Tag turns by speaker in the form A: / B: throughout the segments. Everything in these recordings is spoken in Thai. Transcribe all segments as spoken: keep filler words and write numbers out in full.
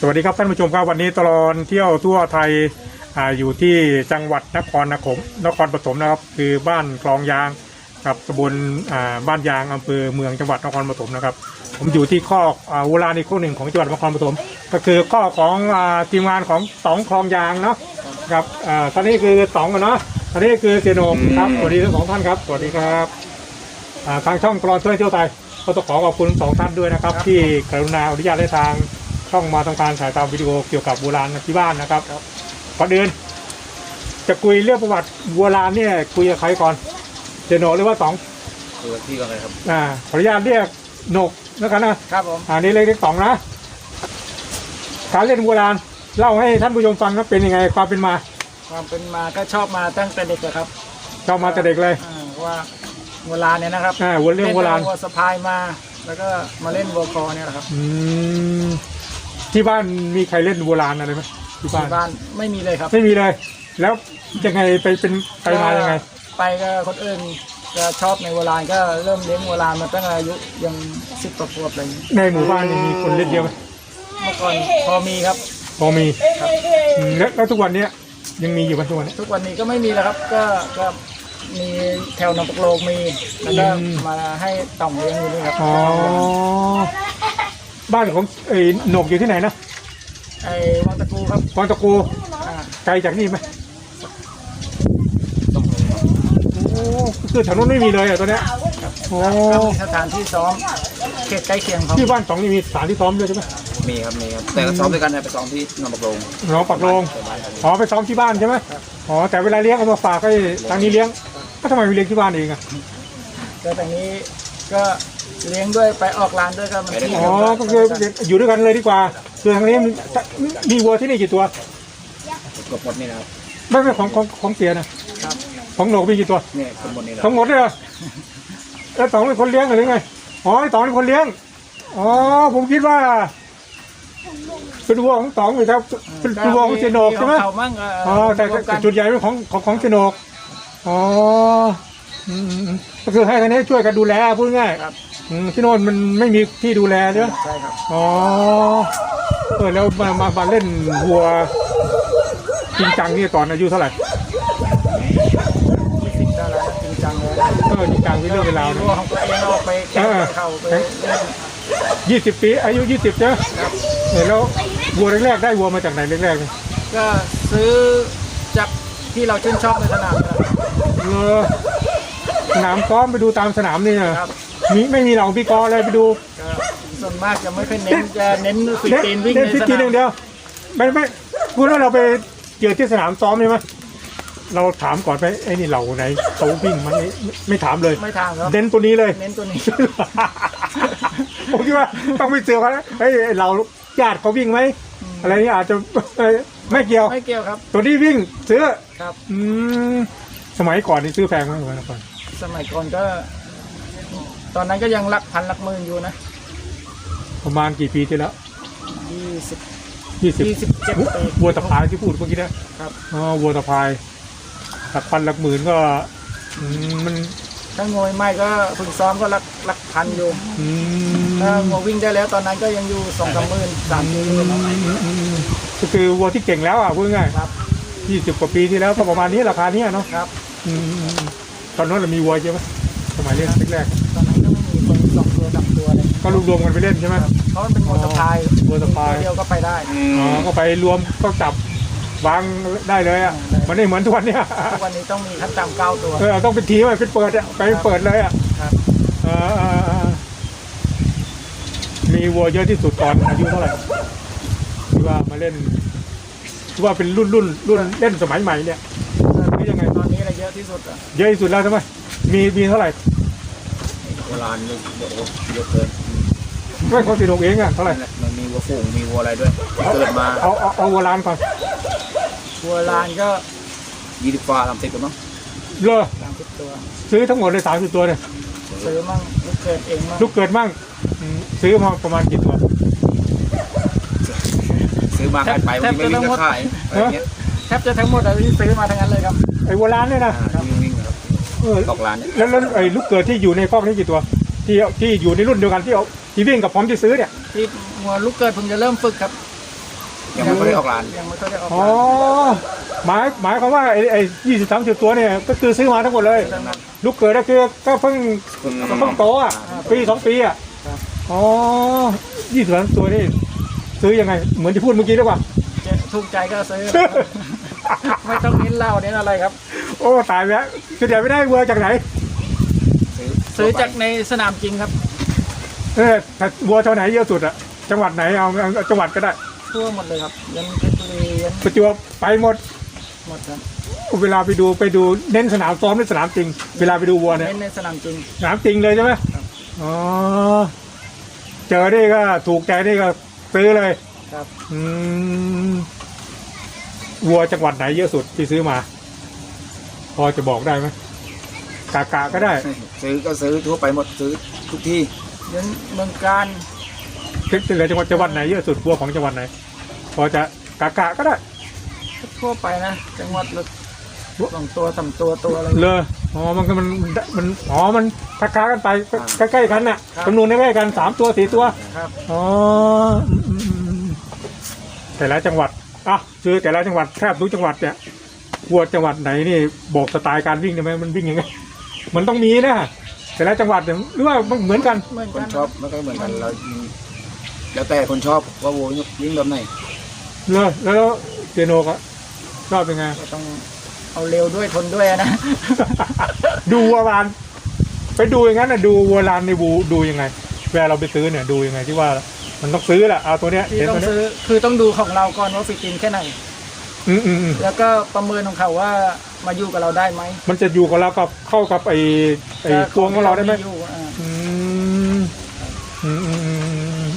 A: วัสดีครับท่านผู้ชมครับวันนี้ตลอดเที่ยวทั่วไทยออยู่ที่จังหวัดนครนครนครปฐมนะครับคือบ้านคลองยางกับตำบลบ้านยางอำเภอเมืองจังหวัดนครปฐมนะครับผมอยู่ที่ข้อโบราณอีกข้อหนึ่งของจังหวัดนครปฐมก็คือข้อของทีมงานของสองคลองยางเนาะครับตอนนี้คือสองกันเนาะตอนนี้คือเสียโหน่งครับสวัสดีทั้งสองท่านครับสวัสดีครับทางช่องตลอดเที่ยวไทยก็ต้องขอขอบคุณสองท่านด้วยนะครับที่กรุณาอนุญาตให้ทางช่องมาทำการถ่ายทำวิดีโอเกี่ยวกับโบราณที่บ้านนะครับก่อนอื่นจะคุยเรื่องประวัติโบราณเนี่ยคุยกับใครก่อนเจโหนหรือว่าสอง
B: คุยกับพี่ก่อนเลยครับ
A: อ่าขออนุญาตเรียกโหนกแล้วกันนะครับ
B: ผม
A: อ่านี่เรียกสองนะการเล่นโบราณเล่าให้ท่านผู้ชมฟังนะเป็นยังไงความเป็นมา
B: ความเป็นมาก็ชอบมาตั้งแต่เด็กครับ
A: ชอบมาแต่เด็กเลย
B: ว่าโบราณเนี่ยนะครับ
A: อ่าวัวเรื่องโบราณ
B: วัวสะพายมาแล้วก็มาเล่นวัวคอเนี่ยแหละครับ
A: อืมที่บ้านมีใครเล่นโบราณอะไรไหมที่บ้าน
B: บ้านไม่มีเลยครับ
A: ไม่มีเลยแล้วยังไงไปเป็นไปมายังไง
B: ไปก็คนอื่นก็ชอบในโบราณก็เริ่มเลี้ยงโบราณมาตั้งอายุยังสิบกว่าขวบอะไร
A: ในหมู่บ้านมีคนเล่นเยอะไหม
B: เมื่อก่อนพอมีครับ
A: พอมีแล้วแล้วทุกวันนี้ยังมีอยู่ไหมทุกวันนี้
B: ทุกวันนี้ก็ไม่มีแล้วครับก็ก็มีแถวหนองปกโลกมีแล้วก็มาให้ต่องเลี้ยงอยู่นี่ครับ
A: อ๋อบ้านของไอ้หนกอยู่ที่ไหนนะ
B: ไอ้วังตะกูครับ
A: วังตะกูไกลจากนี่ไหมโอ้คือแถวนู้นไม่มีเลยอ่ะตัวเนี้ย
B: โอ้สถานที่ซ้อมเขตใกล้เคียงครับ
A: ที่บ้านสองนี่มีสถานที่ซ้อมด้วยใช่ไหม
B: มีครับมีครับแต่ก็ซ้อมด้วยกันไปซ้อมที่หนองปักโลง
A: หนองปักโลงอ๋อไปซ้อมที่บ้านใช่ไหมอ๋อแต่เวลาเลี้ยงเอามาฝากให้ทางนี้เลี้ยงก็ทำไมไม่เลี้ยงที่บ้านเองอ่ะ
B: ก็แต่นี้ก็เลี้ยงด้วยไปออกร้านด้วยก็มัน
A: อ๋อก็คืออยู่ด้วยกันเลยดีกว่าคือทางนี้มีวัวที่นี่กี่ตัว
B: กบหมดนี่นะครับ
A: ไม่ไม่ของของของเสียนะครับของหนกมีกี่ตัว
B: เนี่ยทั้งหมดนี่
A: ทั้งหมดเลยแล้วต๋องเป็นคนเลี้ยงหรือไงอ๋อต๋องเป็นคนเลี้ยงอ๋อผมคิดว่าเป็นวัวของต๋องอยู่ครับเป็นวัวของเจโนกใช่ไหมอ๋อแต่จุดใหญ่เป็นของของของเจโนกอ๋อก็คือให้ทางนี้ช่วยกันดูแลพูดง่ายที่โน่นมันไม่มีที่ดูแลใช่ไหม
B: ใช่ครับ
A: อ๋อเออแล้วมามามาเล่นวัวจริงจังนี่ตอนอายุเท่าไหร่
B: ยี่สิบได้แล้วจริงจังเลย
A: เออจริงจังที่เรื่องเวลา
B: วัวของตัวเองออกไปแข่งเข้าไป
A: ยี่สิบปีอายุยี่สิบใช่ไหมเออแล้ววัวแรกๆได้วัวมาจากไหนแรก
B: ๆก็ซื้อจากที่เราชื่นชอบในสนาม
A: เออสนามซ้อมไปดูตามสนามนี่นะมีไม่มีเหล่าพี่กอเลยไปดู
B: ส่วนมากจะไม่ค่อยเน้นจะเน้นฟิตตีนวิ่งในสนาม
A: เดียวไม่ไม่พูดว่าเราไปเจอที่สนามซ้อมใช่ไหมเราถามก่อนไปไอ้นี่เหล่าไหนเขาวิ่งมันไม่ไม่ถามเลย
B: ไม่ถามครับ
A: เน้นตัวนี้เลย
B: เน้นตัวนี้
A: ผมคิดว่าต้องไปเจอเขาไอ้เราญาติเขาวิ่งไหมอะไรนี่อาจจะไม่เกี่ยว
B: ไม่เกี่ยวครับ
A: ตัวนี้วิ่งซื้อ
B: ครับ
A: อืมสมัยก่อนนี่ซื้อแพงไหมสมัยก่อน
B: สมัยก่อนก็ตอนนั้นก็ยังหลักพันหลักหมื่นอยู่นะ
A: ประมาณกี่ปีที่แล้ว
B: ยี่สิบ
A: ยี่สิบ
B: ยี่สิบเจ็ดปี
A: วัวตะพายที่พูดเมื่อกี้นะครับอ๋อวัวตะพายหลักพันหลักหมื่นก็มัน
B: ถ้างวยไม่ก็ฝึกซ้อมก็หลักหลักพันอยู่ถ้างวยวิ่งได้แล้วตอนนั้นก็ยังอยู่สองสามหมื่นสามหมื่น
A: ก็คือวัวที่เก่งแล้วอ่ะพูดง่าย
B: ครับ
A: ยี่สิบกว่าปีที่แล้วก็ประมาณนี้ราคานี้เนาะ
B: ครับ
A: ตอนนั้นเรามีวัวเยอะไหมสมัยเล่นแรก
B: ๆตอนนั้นก็ไม่มีคนสองตัวสามตัวเลย
A: ก็รวมกันไปเล่นใช่ไหม
B: เพราะมันเป็นวัวสะพาย
A: วัวสะพาย
B: เดียวก็ไปได้
A: อ๋อก็ไปรวมก็จับวางได้เลยอ่ะมันไม่เหมือนทุกวันนี้
B: ทุกวันนี้ต้องมีขั้นต่ำเก้าตัว
A: เออต้องเป็นทีมไปเปิดไปเปิดเลยอ่ะมีวัวเยอะที่สุดตอนอายุเท่าไหร่ที่ว่ามาเล่นที่ว่าเป็นรุ่นรุ่นรุ่นเล่นสมัยใหม่เนี่ย
B: นี่ยังไงตอนนี้อะไรเยอะที่สุดอ่ะ
A: เยอะที่สุดแล้วใช่ไหมมีมีเท่าไหร่
B: โบราณเยอะเยอะเกิน
A: ไม่คนสี่หกเองอ่ะเท่าไหร่
B: มันมีวัวฝูงมีวัวอะไรด้วยเกิดมา
A: เอาเอาเอาวัวลานก่อน
B: วัวลานก็ยี่สิบกว่าสามสิบตัวมั้ง
A: เลอ
B: สามสิบตัว
A: ซื้อทั้งหมดเลยสามสิบตัวเนี่ย
B: ซื้อมั่งลูกเกิดเองมั่ง
A: ลูกเกิดมั่งซื้อมาประมาณกี่ตัว
B: ซื้อมาขายไปไม่วิ่งก็ขายแทบจะทั้งหมดเลยที่ซื้อมาทั้งนั้นเลยครับ
A: ไอ้วัวลานเนี่ยนะ
B: วิ่งครับตกลาน
A: แล้วแล้วไอ้ลูกเกิดที่อยู่ในคอกนี้กี่ตัวที่ที่อยู่ในรุ่นเดียวกันที่เอาที่วิ่งกับผมที่ซื้อเนี่ย
B: ที่วัวลูกเกิดผมจะเริ่มฝึกครับ
C: ยังไม่ได้ออกร้าน
B: ยังไม่ค่อยได้ออก
A: อ๋อ
B: ร้าน
A: หมายหมายความว่าไอ้ไอ้ยี่สิบสามสิบตัวเนี่ยก็คือซื้อมาทั้งหมดเลย
C: ดังนั้น
A: ลูกเกิดก็คือก็เพิ่ง
C: อืม
A: ก็เพิ่งโตอ่ะปีสองปีอ่ะ
B: ครับ
A: อ๋อยี่สิบสามตัวนี่ซื้อยังไงเหมือนที่พูดเมื่อกี้หรือเปล่า
B: จะถูกใจก็ซื้อ ไม่ต้องเน้นเหล้าเน้นอะไรครับ
A: โอ้ตายแล้วคือเดี๋ยวไม่ได้วัวจากไหน
C: ซื้อ
B: ซื้อจากในสนามจริงครับ
A: เออถ้าวัวเท่าไหนเยอะสุดอะจังหวัดไหนเอาเอาเอาจังหวัดก็ได้
B: ทั่วหมดเลยครับยันเพชรบุรียัน
A: ประจวบไปหมด
B: หมดครับ
A: เวลาไปดูไปดูเน้นสนามซ้อมหรือสนามจริง เวลาไปดูวัวเนี่ย
B: เน้นในสนามจริง
A: สนามจริงเลยใช่ไหม
B: ครับ
A: อ๋อเจอนี่ก็ถูกใจนี่ก็ซื้อเลย
B: ครับ
A: อืมวัวจังหวัดไหนเยอะสุดที่ซื้อมา พอจะบอกได้ไหมกากะก็ได้
C: ซื้อก็ซื้อทั่วไปหมดซื้อทุกที่
B: ยันเมืองการ
A: คิดเลยจังหวัดจังหวัดไหนเยอะสุดวัวของจังหวัดไหน พอจะกากะก็ได้
B: ทั่วไปนะจังหวัดละสองตัวสามตัวตัวอะไร
A: เลยอ๋อมันก็มันมันอ๋อมันคล้ายๆกันไป
C: อ่า
A: ใกล้ๆกันน่ะ
B: ครับ
A: จำนวนใกล้ๆกันสามตัวสี่ตัว
B: ครับ
A: อ๋ออืมอืมอืมแต่ละจังหวัดอ่ะคือแต่ละจังหวัดแทบทุกจังหวัดเนี่ยวัวจังหวัดไหนนี่บอกสไตล์การวิ่งได้ไหมมันวิ่งยังไงมันต้องมีนะแต่ละจังหวัดเนี่ยหรือว่ามันเหมือนกัน
B: เหมือน
C: ค
B: กัน น
C: ชอบไม่ค่อยเหมือนกันเราแล้วแต่คนชอบว่าโวยยิ่งแบบไหน
A: เลยแล้วเจโนก็ชอบเป็นไง
B: ก็ต้องเอาเร็วด้วยทนด้วยนะ
A: ดูวัวลานไปดูอย่างนั้นนะดูวัวลานในบูดูยังไงเวลาเราไปซื้อเนี่ยดูยังไงที่ว่ามันต้องซื้อแหละเอาตัวเนี้ย
B: ที่
A: เห็น
B: ต้อ
A: ตัว
B: ง
A: เนี้ย
B: ซื้อคือต้องดูของเราก่อนว่าฟิตจริงแค่ไหน
A: อืมอืมอืม
B: แล้วก็ประเมินของเขาว่ามาอยู่กับเราได้ไหม
A: มันจะอยู่กับเรากับเข้ากับไอ้ไอ้ตัวของเราได้ไหม
B: อยู่อ่า
A: อืมอืมอืมอืม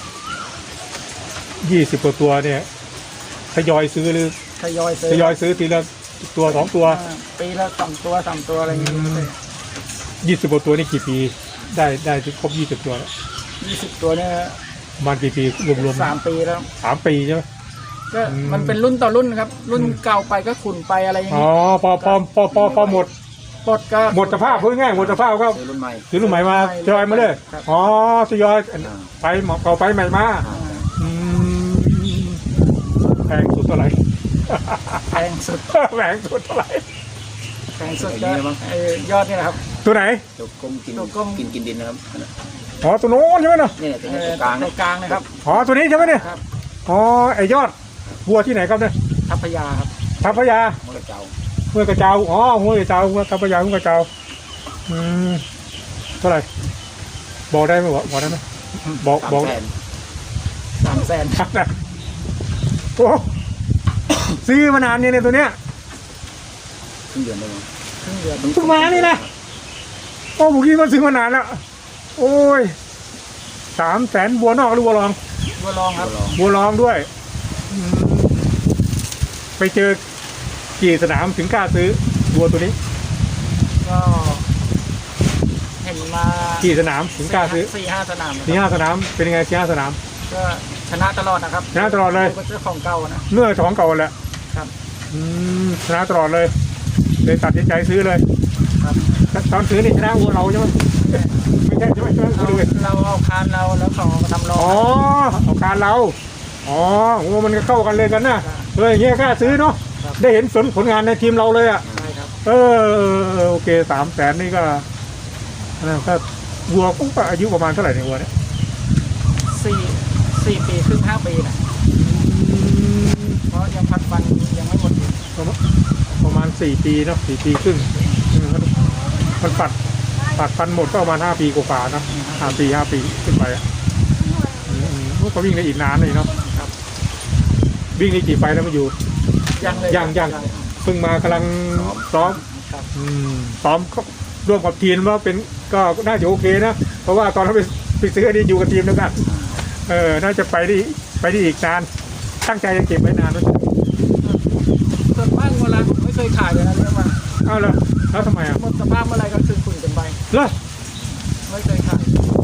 A: ยี่สิบกว่าตัวเนี่ยทยอยซื้อหรือ
B: ทยอยซื้อ
A: ทยอยซื้อทีละตัวสองตัว
B: อ่าปีละสองตัวสามตัวอะไรอย่างเงี้ย
A: ยี่สิบกว่าตัวนี่กี่ปี ได้ได้ครบยี่สิบตัวแล้ว
B: ยี่สิบตัวเนี่ย
A: ประมาณกี่ปีรวมๆ
B: สามปีแล้ว
A: สามปีใช่ไหม
B: ก็
A: อืม
B: มันเป็นรุ่นต่อรุ่นครับ รุ่นเก่าไปก็ขุนไปอะไรอย่าง
A: อ๋อ
B: เงี้ย
A: พอพอพอพอพอหมด
B: ปลดก็
A: หมดสภาพพูดง่ายๆหมดสภาพก็
C: ซื้อรุ่นใหม่
A: ซื้อรุ่นใหม่มาทยอยมาเลย
B: ครับ
A: อ๋อทยอย
C: อ่า
A: ไปหมอเก่าไปใหม่มา
C: อ่า
A: อืมแพงสุดเท่าไหร่
B: แพงสุด
A: แพงสุดเท่าไหร่
B: แพงสุดก็ไอ้ยอดนี่แหละครับ
A: ตัวไหน
C: ตัวก้มกิน
B: ตัวก้ม
C: กินกินดินนะครับ
A: อ๋อตัวโน้นใช่ไหมเนาะ
C: เนี่ยตัว
B: เอ
C: นี้
B: อ
C: ตัวกลาง
B: ตั
C: เนี่
B: วย กลางนะครับ
A: อ๋อตัวนี้ใช่ไหมเนี่ย
B: ครับ
A: อ๋อไอยอดวัวที่ไหนครับเนี่ย
B: ทัพพยาครับ
A: ทัพพยา
C: มันกระเจ้า
A: ห้วยกระเจ้าอ๋อห้วยกระเจ้าห้วยทัพพยาห้วยกระเจ้าอืมเท่าไหร่บอกได้ไหมบอกบอกได้ไหมบอก
C: สาม
A: บอก
C: แสน
B: สามแสน
A: โอ้ซื้อมานานเนี่ยเนี่ยตัวเนี้ย
C: ครึ่งเดือนได้ไหม
B: ครึ่งเดือน
A: เพิ่งมานี่นะโอ้ผมคิดว่าซื้อมานานแล้วโอ้ยสามแสนบัวนอกหรือบัวรอง
B: บัวลองครับ
C: ลอง
A: บัวรองด้วยอืมไปเจอกี่สนามถึงกล้าซื้อบัวตัวนี้
B: ก็เห็นมา
A: กี่สนามถึงกล้าซื้อ
B: สี่ห้าสนามนะ
A: สี่
B: ครับ
A: ห้าสนามเป็นยังไงสี่ห้าสนาม
B: ก็ชนะตลอดนะครับ
A: ชนะตลอดเลย
B: ก็เจ้าของเก่านะ
A: เมื่อสองเก่าแหละ
B: ครับ
A: อืมชนะตลอดเลยเลยตัดสินใจซื้อเลย
B: ครับ
A: ตอนซื้อนี่ชนะวัวเราใช่ไหมไม่ใช่ใช่ไหมใช่ไหม
B: เรา
A: ดูดิ
B: เราเอาคานเราแล้วเขาทำรอ
A: อ๋อเอาการเราอ๋อโอ้มันก็เข้ากันเลยกันนะเอออย่างเงี้ยกล้าซื้อเนาะได้เห็นผลผลงานในทีมเราเลยอ่ะ
B: ใช่ครับ
A: เออเออเออโอเคสามแสนนี่ก็นะก็วัวปุ๊บอายุประมาณเท่าไหร่เนี่ยวัวเนี่ย
B: สี่สี่ปีครึ่งห้าปีนะเพราะยังพันฟันยังไม่หมดอยู่
A: ประมาณประมาณสี่ปีเนาะสี่ปีครึ่งอืมมันปัดปัดฟันหมดก็ประมาณห้าปีกว่าๆเนาะห้าปีห้าปีขึ้นไปอ่ะอืมอืมก็วิ่งได้อีกนานเลยเนาะ
B: ครับ
A: วิ่งได้กี่ไฟแล้วมาอยู่
B: ยังเลย
A: ยังยัง เพิ่งมากำลังซ้อม
B: ครับ
A: อืมซ้อมก็ร่วมกับทีมว่าเป็นก็น่าจะโอเคนะ เพราะว่าตอนเราไปไปซื้ออันนี้อยู่กับทีมแล้วกันเออ น่าจะไปได้ไปได้อีกนาน ตั้งใจจะเก็บไว้นานไหม
B: ส่วนมากเวลาผมไม่เคยขายเลยนะเรื่องว่า
A: เอ้าแล้วแล้วทำไมอ่ะ
B: หมดสภาพเมื่อไหรก็คือคุณกันไป
A: เหรอ
B: ไม่เคยขาย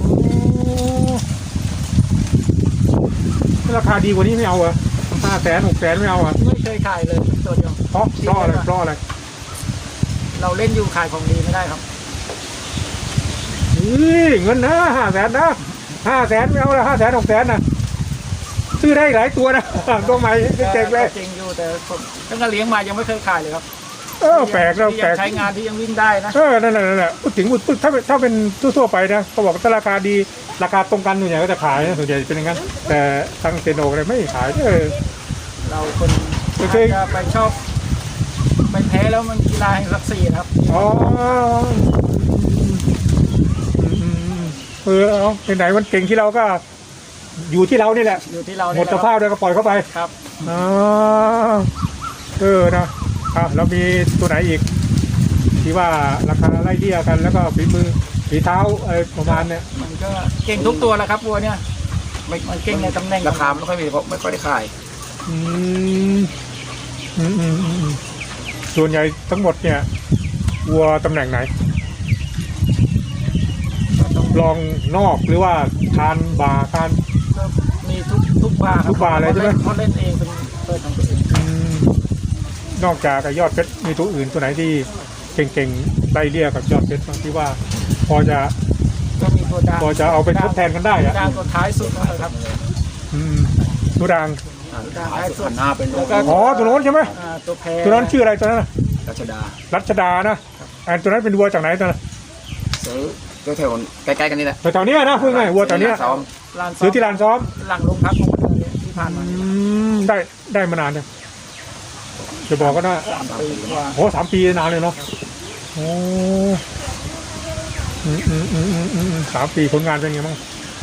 A: ราคาดีกว่านี้ไม่เอาเหรอห้าแสนหกแสนไม่เอาเหรอ
B: ไม่เคยขายเลยตัวเดียว
A: เพราะเพราะอะไรเพราะอะไร
B: เราเล่นอยู่ขายของดีไม่ได้ครับ
A: นี่เงินนะห้าแสนนะห้าแสนไม่เอาละห้าแสนหกแสนนะซื้อได้หลายตัวนะตัวใหม่เจ๋งเลย
B: จริงอยู่แต่ผมตั้งแต่เลี้ยงมายังไม่เคยขายเลยครับ
A: เออแปลกแล้ว
B: ที่
A: แปล
B: ยั
A: ก
B: งใช้งานที่ยังวิ่งได้นะ
A: เออนั่นแหละนั่นแหละพูดถึงพูดถ้าถ้าเป็นทั่วๆไปนะเขาบอกถ้าราคาดีราคาตรงกันส่วนใหญ่ก็จะขายนะส่วนใหญ่เป็นอย่างนั้นแต่ทางเซโนเลยไม่ขายเออ
B: เราคน
A: โอ
B: อาจ
A: เค
B: จะไปชอบไปแพ้แล้วมันกีฬาแห่งศักดิ์ศรีนะครับ
A: อ๋ออืมเออเอาไหนๆมันเก่งที่เราก็ อยู่ที่เรานี่แหละ
B: อยู่ที่เรา
A: หมดสภาพแล้วก็ปล่อยเข้าไป
B: ครับ
A: อ๋อเออนะอ่ะแล้วมีตัวไหนอีก ที่ว่าราคาไล่เลี่ยกันแล้วก็ฝีมือฝีเท้าอะไรประมาณเนี้ย
B: มันก็เก่งทุกตัวแหละครับวัวเนี่ย
C: ไม่
B: มันเก่งในตำแหน่ง
C: ราคาไม่ค่อยมีเพราะไม่ค่อยได้ขาย
A: อืมอืมอืมอืมอืมส่วนใหญ่ทั้งหมดเนี่ยวัวตำแหน่งไหนลองนอกหรือว่าคานบาคาน
B: ก็มีทุกทุกบาร์ครั
A: ทุกบาร์เลยใช่ไหม
B: เขาเล่นเองเป็นเปิดของตัวเอง
A: อืมนอกจากไอ้ยอดเพชรมีตัวอื่นตัวไหนที่เก่งๆไล่เลี่ยกับยอดเพชรบางที่ว่า พอจะ
B: ก็มีตัวดาง
A: พอจะเอาไปทดแทนกันได้อะ
B: ดางตัวท้ายสุดนะครับ
A: อืมตัวดัง
C: ขายสุดพันห้าเป็น
B: แล้วก็
A: อ๋อตัวโน้นใช่ไหม
B: อ่าตัวแพร
A: ตัวนั้นชื่ออะไรตัวนั้นน่ะ
C: รัชดา
A: รัชดานะอันตัวนั้นเป็นวัวจากไหนตัวนั้น
C: ซื้อก็แถวใกล้ๆกันนี่แหละ
A: แถวๆเนี้ยนะพูดง่ายๆวัวแถวเนี้ย
C: ซ้อม
B: ลานซ้อ
A: ซื้อ
B: ม
A: ที่ลานซ้อม
B: หลังโรงพักของเมืองเนี่ยที่ผ่านมา
A: อืมได้ได้มานานเนี่ยจะบอกก็ได้
B: สามปีกว่า
A: โอ้สามปีนานเลยเนาะโอ้อืมอืมอืมอืมอืมสามปีผลงานเป็นไงบ้าง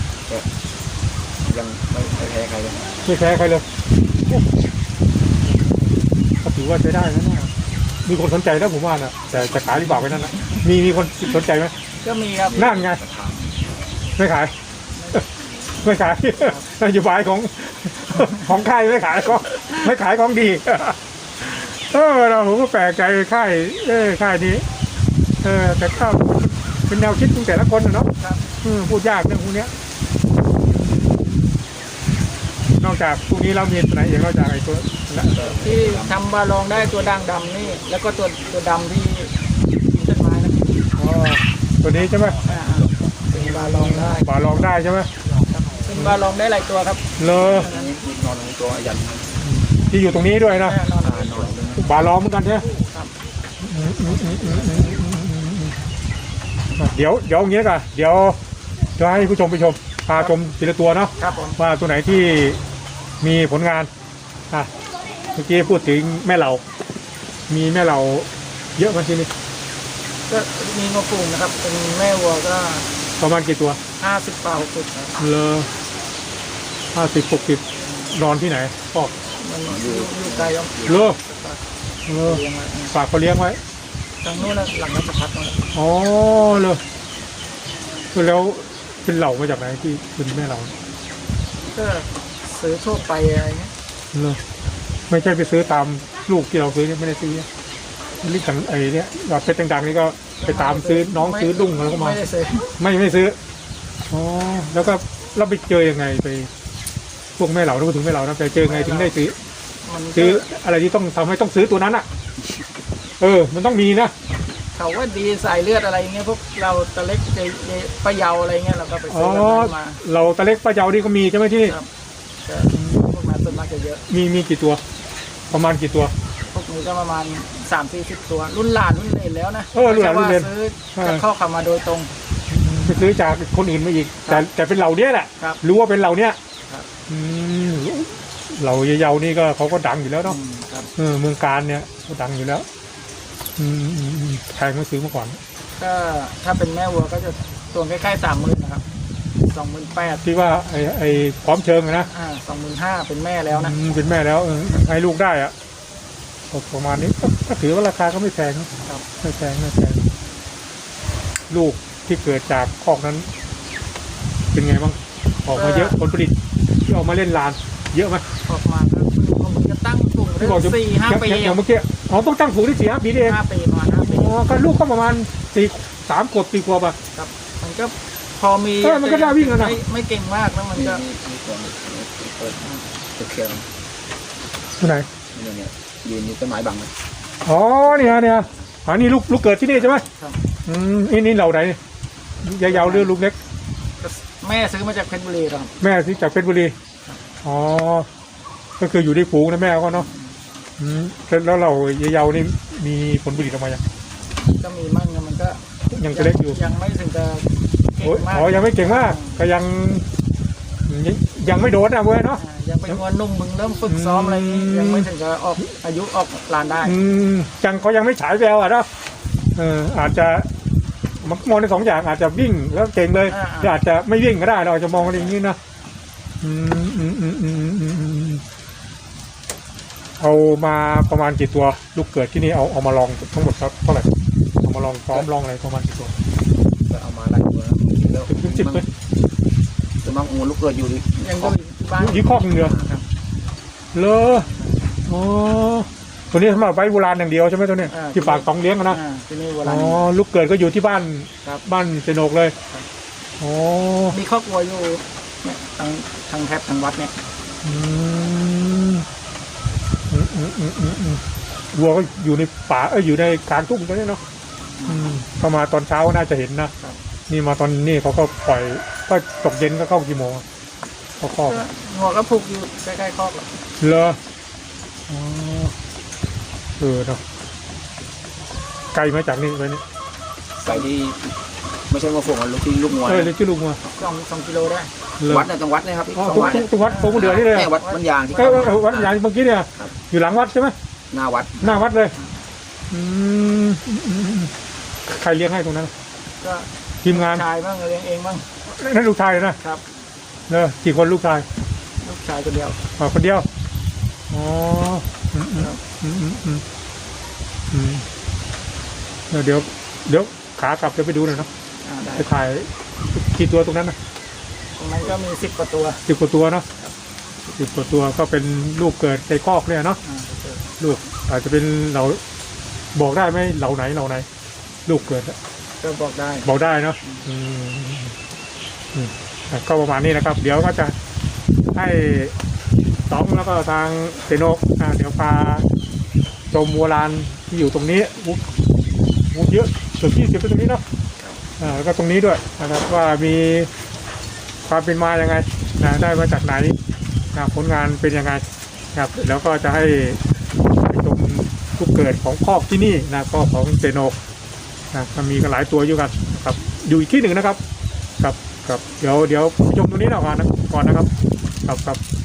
C: ยังไม่ไม่แพ้ใครเลย
A: ไม่แพ้ใครเลยโอ้ก็ถือว่าใช้ได้นะเนี่ยมีคนสนใจแล้วผมว่าน่ะแต่จะขายหรือเปล่าไปนั่นนะมีมีคนสนใจไหม
B: ก็มีครับ
A: นั่นไง
C: ราคา
A: ไม่ขาย ไม่ขาย นโยบายของ ของค่ายไม่ขายก็ไม่ขายของดี เออเราผมก็แปลกใจค่ายเออค่ายนี้ เออแต่ก็เป็นแนวคิดของแต่ละคนนะเนาะ
B: ครับ
A: อืมพูดยากเรื่องพวกเนี้ยนอกจากพวกนี้เรามีตัวไหนอีกนอกจากไอ้ตัวละ
B: ที่ทำบาลองได้ตัวด่างดำนี่ แล้วก็ตัวตัวดำที่กินต้นไม้นะ
A: อ๋อตัวนี้ใช่ไหม
B: อ่าเป็นบาลองได้
A: บาลองได้ใช่ไหม
B: เป็นบาลองได้หลายตัวครับ
A: เลอ
C: อันนี้มีนอนในตัวยัน
A: ที่อยู่ตรงนี้ด้วยนะ
B: แน่นอน
C: อ่านอนเลย
A: บาลองเหมือนกันใช่ไหม
B: ครับ
A: อืมอืมอืมอืมอืมอืมอืมอืมอ่ะเดี๋ยวเดี๋ยวอย่างงี้กันเดี๋ยวจะให้ผู้ชมไปชมพาชมทีละตัวเนาะ
B: ครับผม
A: ว่าตัวไหนที่มีผลงานอ่ะเมื่อกี้พูดถึงแม่เหล่ามีแม่เหล่าเยอะไหมที่นี่
B: ก็มีงวปูงนะครับ เป็นแม่วัวก็
A: ประมาณกี่ตัว
B: ห้าสิบกว่าหกสิบครับ
A: เลอห้าสิบหกสิบนอนที่ไหนพ่อ
B: มันอยู่อยู่ไกลยอม
A: เลอเลอ
B: เลี้ยงไว้
A: ฝากเขาเลี้ยงไว้
B: ทางนู้นนะหลังราชพัฒน์นั่นแหละ
A: อ๋อเลยแล้วเป็นเหล่ามาจากไหนที่เป็นแม่เหล่า
B: ก็ซื้อทั่วไปอะไรเงี้ย
A: เลยไม่ใช่ไปซื้อตามลูกที่เราซื้อเนี่ยไม่ได้ซื้อลิขันไอ้เนี่ยยอดเพชรดังๆนี่ก็ไปตามซื้อน้องซื้อดุ้งแล้วก็มา
B: ไม่ได้ซื้อ
A: ไม่ไม่ซื้ออ๋อแล้วก็เราไปเจอยังไงไปพวกแม่เหล่าพูดถึงแม่เหล่านะไปเจอไงถึงได้ซื้อ
B: มันก็
A: ซื้ออะไรที่ต้องทำให้ต้องซื้อตัวนั้นอ่ะ เออ มันต้องมีนะ
B: เขาว่าดีสายเลือดอะไรเงี้ยพวกเราตะเล็กเจเจปะเยาอะไรเงี้ยเราก็ไป
A: อ๋
B: ซื้
A: อ
B: อแบบนั้นมา
A: เราตะเล็กป้าเจ้านี่ก็มีใช่ไหมที่นี่
B: ครับก็พวกนั้นส่วนมากจะเยอะ
A: มีมีกี่ตัว ประมาณกี่ตัว
B: พวกนี้ก็ประมาณสามสี่สิบตัว รุ่นหลานรุ่นเลนแล้วนะ
A: เออรุ่นหลานรุ่นเลน
B: ไม่ใช่ว่าซื้อจากข้อขามาโดยตรง
A: ไปซื้อจากคนอื่นมาอีก แต่แต่เป็นเหล่าเนี้ยแหละ
B: ครับ
A: รู้ว่าเป็นเหล่าเนี้ย
B: ครับ
A: อืมเหล่าเยาๆนี่ก็เขาก็ดังอยู่แล้วเนาะ
B: อืมครับ
A: เออเมืองการเนี่ยก็ดังอยู่แล้ว อืมอืมอืมแพงไม่ซื้อมาก่อน
B: ก็ถ้าเป็นแม่วัวก็จะตัวใกล้ๆสามหมื่นนะครับสองหมื่นแปด
A: ที่ว่าไอ้ไอ้พร้อมเชิงอะนะ
B: อ่าสองหมื่นห้าเป็นแม่แล้วนะ
A: อืมเป็นแม่แล้วเออให้ลูกได้อะก็ประมาณนี้ก็ก็ถือว่าราคาก็ไม่แพงนะครับ ไม่แพงไม่แพงลูกที่เกิดจากคอกนั้น เป็นไงบ้างออกมาเยอะผลผลิตที่ออกมาเล่นลาน เยอะไหม
B: ออกมาก็ผมจะตั้งกลุ่มได้
A: ที่บอกจะ
B: สี่ห้าปี
A: อย่างอย่างเมื่อกี้อ๋อต้องตั้งผูกที่สี่ห้าปีนี่เอง
B: ห้าปีประมาณห้าปี
A: อ๋อก็ลูกก็ประมาณสี่สามขวบสี่ขวบอ่ะ
B: ครับมันก็พอมี
A: เออมันก็น่าวิ่งแล้วนะ
B: ไม่ไม่เก่งมากแล้วมัน
C: มี
B: ก็
C: มีมีตัวนี้เปิดตัวเขียว
A: ที่ไหน
C: นี่เนี่ยยืนอยู่ต้นไม้บังเลย
A: อ๋อเนี่ยเนี่ยอันนี้ลูกลูกเกิดที่นี่ใช่ไหม
B: ครับ
A: อืมนี่นี่เหล่าไหนยาวๆเรือลูกเล็ก
B: แม่ซื้อมาจากเพชรบุรีครับ
A: แม่ที่จากเพชรบุรี อ๋อ๋อก็คืออยู่ในฝูงนะแม่เขาเนาะอืมแล้วเราเยาวๆนี่มีผลผลิตออกมายัง
B: ก็มีมั่งนะมันก็
A: ยังเล็กอยู่
B: ยังไม่ถึงจะเก่
A: โอ้ย
B: งมาก
A: อ๋อยังไม่เก่งมากก็ยังยังยังไม่โดนอ่ะเว้ยเนาะ
B: อ่ายังเป็นวัวนุ่มมึงเริ่มฝึกซ้อมอะไรนี้
A: อืม
B: ยังไม่ถึงจะออกอายุออกลานได้
A: อืมยังเขายังไม่ฉายแววอ่ะเนาะเอออาจจะมันมองในสองอย่างอาจจะวิ่งแล้วเก่งเลยหรืออาจจะไม่วิ่งก็ได้เราอาจจะมองอะไรอย่างนี้นะอืมอืมอืมอืมอืมอืมอืมเอามาประมาณกี่ตัวลูกเกิดที่นี่เอาเอามาลองทั้งหมดครับเท่าไหร่เอามาลองซ้อมลองอะไรประมาณกี่ตัว
C: ก็เอามาไล่ตัวแล้วแล้ว
A: ถึงสิบเลย
C: จะมังงูลูกเกิดอยู่ดิ
B: ยังก็บ้าน
A: ยี่ข้อหนึ่งเดียว
B: ครับ
A: เลออ๋อตัวนี้สำหรับไว้โบราณอย่างเดียวใช่ไหมตัวเนี้ย
B: อ่า
A: ที่ฝากสองเลี้ยงอะนะ
B: อ่าที่นี่วัว
A: อ๋
B: ลา
A: อ
B: น
A: ลูกเกิดก็อยู่ที่บ้าน
B: ครับ
A: บ้านเจโนกเลย
B: ครับ
A: อ๋อ
B: มีครอบครัวอยู่เนี่ยทางทางแทบทางวัดเนี่ย
A: อืมอืมอืมอืมอืมอืมวัวก็อยู่ในป่าเอออยู่ในกลางทุ่งตัวนี้เนาะอืมเข้ามาตอนเช้าน่าจะเห็นนะนี่มาตอนนี้เขาก็ปล่อยก็ตกเย็นก็เข้ากี่โมงอะเขาครอบ
B: ก็งัวก็ผูกอยู่ใกล้ๆครอบอะ
A: เลออ๋อเออเนาะไกลมาจากนี่ไปนี่
C: ใส่ที่ไม่ใช่มาฝงลูกที่ลูกงัว
A: เออเลยชื่อลุงมา
B: สองสองกิโลได้
A: เลย
C: วัดเนี่ยตรงวัดเนี่ยครับ
A: อ๋อ
C: สอง
A: ตรง
C: วัด
A: ตรงวัดตรงเดือนี่เลย
C: เนี่ยวัดมันยางที่
A: เออเออเออวัดอย่างเมื่อกี้เนี่ย
C: ครับ
A: อยู่หลังวัดใช่ไหม
C: หน้าวัด
A: หน้าวัดเลยอืมอืมอืมอืมใครเลี้ยงให้ตรงนั้น
B: ก็
A: ทีมงาน
B: ชายบ้างเลี้ยงเองบ้าง
A: นั่นลูกชายนะครับ เนอะกี่คนลูกชาย
B: ลูกชายคนเดียว
A: อ๋อคนเดียวอ๋ออืมอืมอืมอืมอืมอืมเดี๋ยวเดี๋ยวเดี๋ยวขากลับจะไปดูหน่อยเนาะ
B: อ่าได้
A: ไปถ่ายกี่ตัวตรงนั้นนะ
B: ตรงนั้นก็มีสิบกว่าตัว
A: สิบกว่าตัวเนาะสิบกว่าตัวก็เป็นลูกเกิดในคอกเนี่ยเนาะ
B: อ่าเจอ
A: ลูกอาจจะเป็นเราบอกได้ไหมเหล่าไหนเหล่าไหน ลูกเกิดอะ
B: ก็บอกได้
A: บอกได้เนาะอืมอืมอ่ะก็ประมาณนี้นะครับ เดี๋ยวก็จะให้สองแล้วก็ทางเซโนกอ่าเดี๋ยวพาชมวัวลานที่อยู่ตรงนี้วุ้วุ้เยอะเกือบยี่สิบตรงนี้เนาะอ่าแล้วก็ตรงนี้ด้วยนะครับ ว่ามีความเป็นมายังไงนะได้มาจากไหนนะผลงานเป็นยังไงนะครับแล้วก็จะให้ไปชมลูกเกิดของคอกที่นี่นะก็ของเซโนกนะมันมีกันหลายตัวอยู่กันครับอยู่อีกที่หนึ่งนะครับครับครับเดี๋ยวเดี๋ยวชมตรงนี้หน่อยก่อนนะก่อนนะครับครับครับ